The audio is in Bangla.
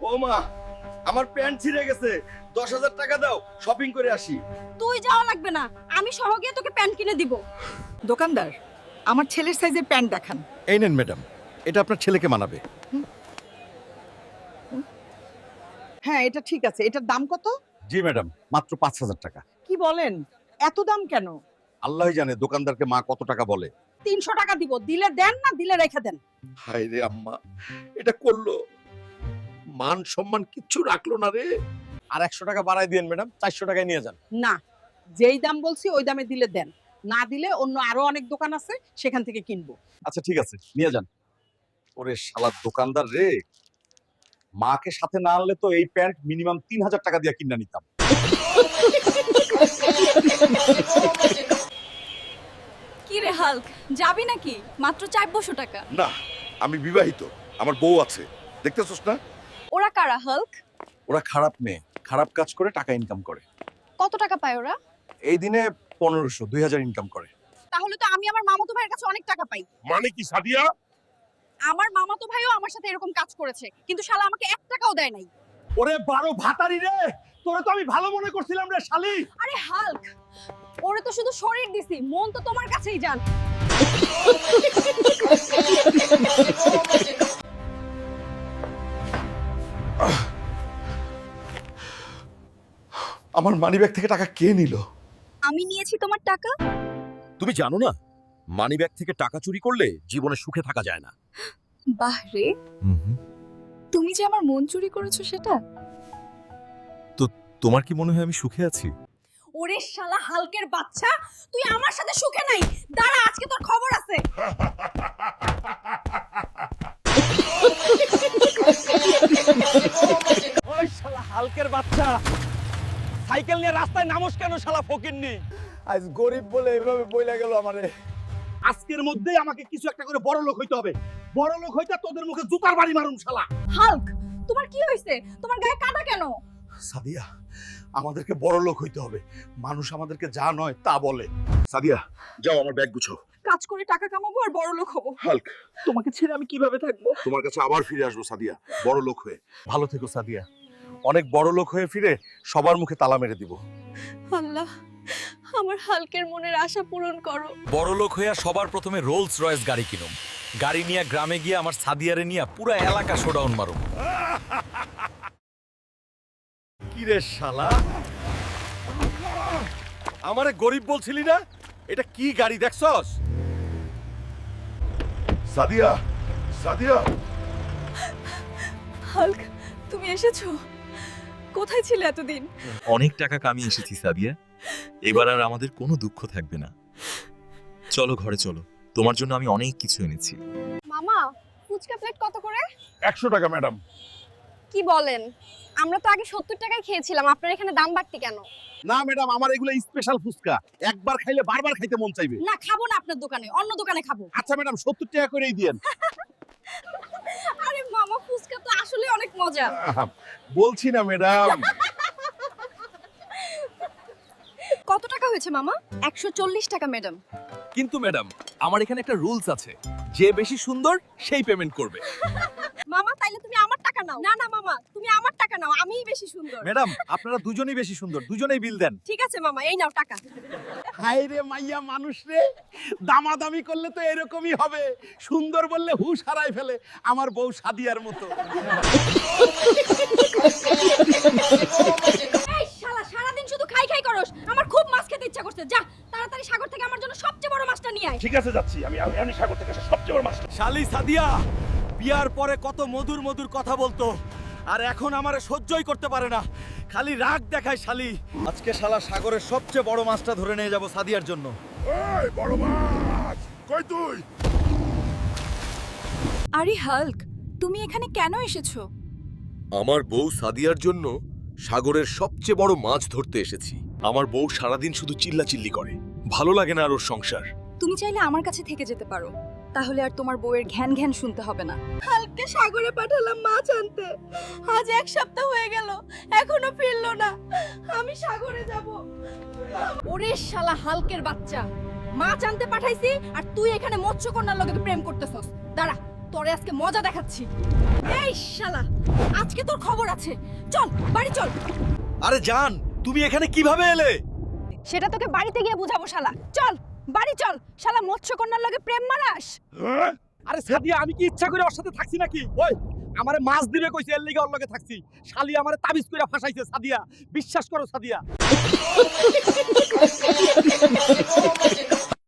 বৌমা, আমার প্যান্ট ছিঁড়ে গেছে, 10,000 টাকা দাও, শপিং করে আসি। তুই যাওয়া লাগবে না, আমি সহ গিয়ে তোকে প্যান্ট কিনে দিব। দোকানদার, আমার ছেলের সাইজের প্যান্ট দেখান। এই নেন ম্যাডাম, এটা আপনার ছেলেকে মানাবে। হ্যাঁ, এটা ঠিক আছে। এটার দাম কত? জি ম্যাডাম, মাত্র 5,000 টাকা। কি বলেন, এত দাম কেন? আল্লাহই জানে দোকানদারকে মা কত টাকা বলে। 300 টাকা দিব, দিলে দেন, না দিলে রেখে দেন। হায় রে আম্মা, এটা করলো, মান সম্মান কিচ্ছু রাখলো না রে। আর 100 টাকা বাড়াই দিয়েন ম্যাডাম, 400 টাকায় নিয়ে যান। না, যেই দাম বলছি ওই দামে দিলে দেন, না দিলে অন্য আরো অনেক দোকান আছে, সেখান থেকে কিনবো। আচ্ছা ঠিক আছে, নিয়ে যান। ওরে শালা দোকানদার রে, মাকে সাথে না আনলে তো এই প্যান্ট মিনিমাম 3,000 টাকা দিয়ে কিনে নিতাম। কি রে হাল্ক, যাবি নাকি? মাত্র 400 টাকা। না, আমি বিবাহিত, আমার বউ আছে, দেখতেছস না? ওরা কারা হাল্ক? ওরা খারাপ মেয়ে, খারাপ কাজ করে টাকা ইনকাম করে। কত টাকা পায় ওরা? এই দিনে 1500 2000 ইনকাম করে। তাহলে তো আমি আমার মামাতো ভাইয়ের কাছে অনেক টাকা পাই। মানে কি সাদিয়া? আমার মামাতো ভাইও আমার সাথে এরকম কাজ করেছে, কিন্তু শালা আমাকে 1 টাকাও দেয় নাই। ওরে 12 ভাতারি রে, তোরে তো আমি ভালো মনে করছিলাম রে শালি। আরে হাল্ক, ওরে তো শুধু শরীর দিছি, মন তো তোমার কাছেই যান। আমার মানিব্যাগ থেকে টাকা কে নিল? আমি নিয়েছি তোমার টাকা। তুমি জানো না, মানিব্যাগ থেকে টাকা চুরি করলে জীবনে সুখে থাকা যায় না। বাহ রে, তুমি যে আমার মন চুরি করেছো সেটা। তো তোমার কি মনে হয় আমি সুখে আছি? ওরে শালা হালকের বাচ্চা, তুই আমার সাথে সুখে নাই। দাঁড়া, আজকে তোর খবর আছে। ওই শালা হালকের বাচ্চা, সাইকেল নিয়ে রাস্তায় নামস কেন শালা ফকিন্নি? আজ গরিব বলে এভাবে বইলা গেল আমারে। আজকের মধ্যেই আমাকে কিছু একটা করে বড় লোক হইতে হবে। বড় লোক হইতা তোদের মুখে জুতার বাড়ি মারুম শালা। হাল্ক, তোমার কি হয়েছে? তোমার গায়ে কাদা কেন? সাদিয়া, আমাদেরকে বড় লোক হইতে হবে। মানুষ আমাদেরকে যা নয় তা বলে। সাদিয়া, যাও আমার ব্যাগ গুছো। কাজ করে টাকা কামাবো আর বড় লোক হবো। হাল্ক, তোমাকে ছেড়ে আমি কিভাবে থাকবো? তোমার কাছে আবার ফিরে আসবো সাদিয়া, বড় লোক হয়ে। ভালো থেকো সাদিয়া, অনেক বড় লোক হয়ে ফিরে সবার মুখে তালা মেরে দিব। আল্লাহ, আমার হালকের মনের আশা পূরণ করো। বড় লোক হইয়া সবার প্রথমে রোলস রয়েস গাড়ি কিনুম, গাড়ি নিয়ে গ্রামে গিয়ে আমার সাদিয়ারে নিয়ে পুরা এলাকা শোডাউন মারুম। কি রে শালা, আমারে গরিব বলছিলি না? এটা কি গাড়ি দেখছস? সাদিয়া, সাদিয়া, হাল্ক, তুমি এসেছো? কোথায় ছিলে এতদিন? অনেক টাকা কামিয়ে এসেছি সাদিয়া, এবার আর আমাদের কোনো দুঃখ থাকবে না। চলো ঘরে চলো, তোমার জন্য আমি অনেক কিছু এনেছি। মামা, ফুচকা প্লেট কত করে? 100 টাকা ম্যাডাম। কি বলেন? আমরা তো আগে 70 টাকায় খেয়েছিলাম, আপনার এখানে দাম বাড়তি কেন? না ম্যাডাম, আমার এগুলো স্পেশাল ফুচকা, একবার খাইলে বারবার খাইতে মন চাইবে। না, খাবো না আপনার দোকানে, অন্য দোকানে খাবো। আচ্ছা ম্যাডাম, 70 টাকা করেই দিয়েন। আরে মামা, ফুচকা তো আসলে অনেক মজা। বলছি না ম্যাডাম। কত টাকা হয়েছে মামা? 140 টাকা ম্যাডাম। কিন্তু ম্যাডাম, আমার এখানে একটা রুলস আছে, যে বেশি সুন্দর সেই পেমেন্ট করবে। মামা, তাইলে তুমি আমার টাকা নাও। না না মামা, তুমি আমার টাকা নাও, আমিই বেশি সুন্দর। ম্যাডাম, আপনারা দুজনেই বেশি সুন্দর, দুজনেই বিল দেন। ঠিক আছে মামা, এই নাও টাকা। হায় রে মাইয়া মানুষ রে, দামাদামি করলে তো এরকমই হবে। সুন্দর বললে হুশ হারাই ফেলে, আমার বউ সাদিয়ার মতো। এই শালা, সারাদিন শুধু খাই খাই করস। আমার খুব মাছ খেতে ইচ্ছা করছে। যা তাড়াতাড়ি সাগর থেকে আমার জন্য সবচেয়ে বড় মাছটা নিয়ে আয়। ঠিক আছে, যাচ্ছি আমি সাগর থেকে সবচেয়ে বড় মাছ। শালি সাদিয়া, বিয়ার পরে কত মধুর মধুর কথা বলতো, আর এখন আমারে সহ্যই করতে পারে না, খালি রাগ দেখায় শালি। আজকে শালা সাগরের সবচেয়ে বড় মাছটা ধরে নিয়ে যাব সাদিয়ার জন্য। ওই বড় মাছ, কই তুই? আরে হাল্ক, তুমি এখানে কেন এসেছো? আমার বউ সাদিয়ার জন্য সাগরের সবচেয়ে বড় মাছ ধরতে এসেছি। আমার বউ সারাদিন শুধু চিল্লাচিল্লি করে, ভালো লাগে না আর ওর সংসার। তুমি চাইলে আমার কাছে থেকে যেতে পারো, তাহলে আর তোমার বউয়ের ঘ্যান ঘ্যান শুনতে হবে না। হালকে সাগরে পাঠালাম মাছ আনতে, আজ 1 সপ্তাহ হয়ে গেল, এখনো ফিরলো না। আমি সাগরে যাব। ওরে শালা হালকের বাচ্চা, মাছ আনতে পাঠাইছি আর তুই এখানে মৎস্যকন্যার লগে প্রেম করতেছস। দাঁড়া, তোরে আজকে মজা দেখাচ্ছি। এই শালা, আজকে তোর খবর আছে। চল বাড়ি চল। আরে জান, তুমি এখানে কিভাবে এলে? সেটা তোকে বাড়িতে গিয়ে বুঝাবো শালা। চল বাড়ি চল। শালা মৎস্যকন্যার লগে প্রেম মারাস। আরে সাদিয়া, আমি কি ইচ্ছা করে ওর সাথে থাকছি নাকি? ওই আমারে মাছ দিবে কইছে, এর লিগে ওর লগে থাকছি। শালি আমারে তাবিজ কইরা ফাঁসাইছে সাদিয়া, বিশ্বাস করো সাদিয়া।